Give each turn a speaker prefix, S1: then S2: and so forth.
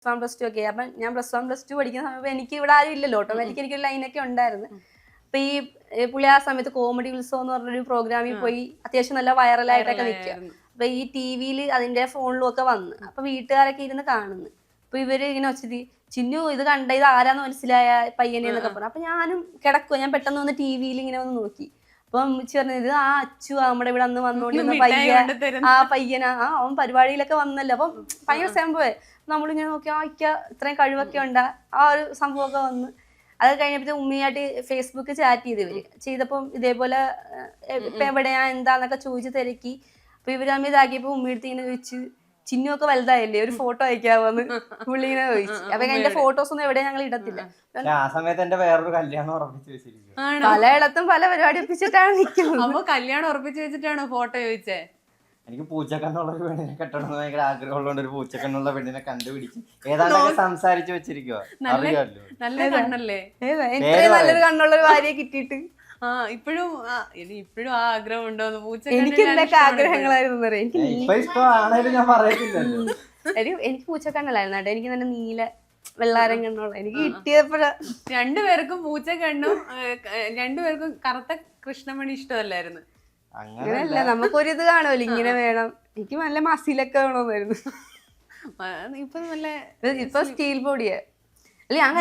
S1: +1+2 ഒക്കെ. അപ്പം ഞാൻ +1+2 പഠിക്കുന്ന സമയത്ത് എനിക്ക് ഇവിടെ ആരും ഇല്ലല്ലോ, ഓട്ടോമാറ്റിക് എനിക്കൊരു ലൈനൊക്കെ ഉണ്ടായിരുന്നു. അപ്പൊ ഈ പുള്ളി ആ സമയത്ത് കോമഡി ഉത്സവം എന്ന് പറഞ്ഞൊരു പ്രോഗ്രാമിൽ പോയി അത്യാവശ്യം നല്ല വൈറലായിട്ടൊക്കെ നിൽക്കുക. അപ്പൊ ഈ ടിവിയിൽ അതിന്റെ ഫോണിലും ഒക്കെ വന്ന് അപ്പൊ വീട്ടുകാരൊക്കെ ഇരുന്ന് കാണുന്നു. അപ്പൊ ഇവര് ഇങ്ങനെ വെച്ചത് ചിന്നു ഇത് കണ്ട ഇത് ആരാന്ന് മനസ്സിലായ പയ്യനെ എന്നൊക്കെ പറഞ്ഞു. അപ്പൊ ഞാനും കിടക്കുക, ഞാൻ പെട്ടെന്ന് വന്ന് ടിവിയിൽ ഇങ്ങനെ വന്ന് നോക്കി. അപ്പം അമ്മച്ചി പറഞ്ഞത് ആ അച്ചു നമ്മുടെ ഇവിടെ അന്ന് വന്നോണ്ടിരുന്ന പയ്യനാ, അവൻ പരിപാടിയിലൊക്കെ വന്നല്ലോ. അപ്പം ഭയങ്കര സംഭവേ. നമ്മളിങ്ങനെ നോക്കി ഇത്രയും കഴിവൊക്കെ ഉണ്ടാ ആ ഒരു സംഭവമൊക്കെ വന്ന്. അത് കഴിഞ്ഞപ്പോ ഉമ്മയായിട്ട് ഫേസ്ബുക്ക് ചാറ്റ് ചെയ്തപ്പം ഇതേപോലെ ഇപ്പൊ എവിടെയാ എന്താന്നൊക്കെ ചോദിച്ച് തിരക്കി. അപ്പൊ ഇവര് തമ്മിൽ ഇതാക്കിയപ്പോ ഉമ്മയെടുത്ത് ഇങ്ങനെ ചോദിച്ചു ചിന്നൊക്കെ വലുതായില്ലേ ഒരു ഫോട്ടോ അയക്കാവോന്ന് പുള്ളി ഇങ്ങനെ ചോദിച്ചു. അപ്പൊ എന്റെ ഫോട്ടോസ് ഒന്നും എവിടെ ഞങ്ങൾ ഇടത്തില്ല.
S2: ആ സമയത്ത് എന്റെ വേറൊരു കല്യാണം ഉറപ്പിച്ചു വെച്ചിരിക്കും.
S1: പലയിടത്തും പല പരിപാടി ഒപ്പിച്ചിട്ടാണ് നിൽക്കുന്നത്.
S3: അപ്പൊ കല്യാണം ഉറപ്പിച്ചു വെച്ചിട്ടാണോ ഫോട്ടോ ചോദിച്ചേ?
S2: എനിക്ക് പൂച്ചക്കണ്ണുള്ള ഒരു പെണ്ണിനെ കെട്ടണമെന്ന് ഭയങ്കര ആഗ്രഹമുള്ളതുകൊണ്ട് ഒരു പൂച്ചക്കണ്ണുള്ള പെണ്ണിനെ കണ്ടുപിടിച്ച് ഏതാണ്ടൊക്കെ സംസാരിച്ചു വെച്ചിരിക്കോ. അറിയാമല്ലോ,
S3: നല്ല കണ്ണല്ലേ,
S1: നല്ലൊരു കണ്ണുള്ള ഒരു ഭാര്യയെ കിട്ടിയിട്ട്.
S3: ഇപ്പോഴും ആ ആഗ്രഹം ഉണ്ടോന്ന്? പൂച്ച
S1: എനിക്ക് എന്തൊക്കെ ആഗ്രഹങ്ങളായിരുന്നു
S2: ഞാൻ പറയത്തില്ലല്ലോ.
S1: എനിക്ക് പൂച്ചക്കണ്ണല്ലായിരുന്നു കേട്ടോ, എനിക്ക് നല്ല നീല വെള്ളാരം കണ്ണുള്ള എനിക്ക് കിട്ടിയപ്പോഴ.
S3: രണ്ടുപേർക്കും പൂച്ചക്കണ്ണും രണ്ടുപേർക്കും കറുത്ത കൃഷ്ണമണി ഇഷ്ടമല്ലായിരുന്നു.
S1: അങ്ങനെയല്ല, നമുക്കൊരിത് കാണുമല്ലോ ഇങ്ങനെ വേണം. എനിക്ക് നല്ല മസിലൊക്കെ വേണമെന്നായിരുന്നു.
S3: ഇപ്പൊ നല്ല
S1: ഇപ്പൊ സ്റ്റീൽ ബോഡിയാ. അല്ല ഞാൻ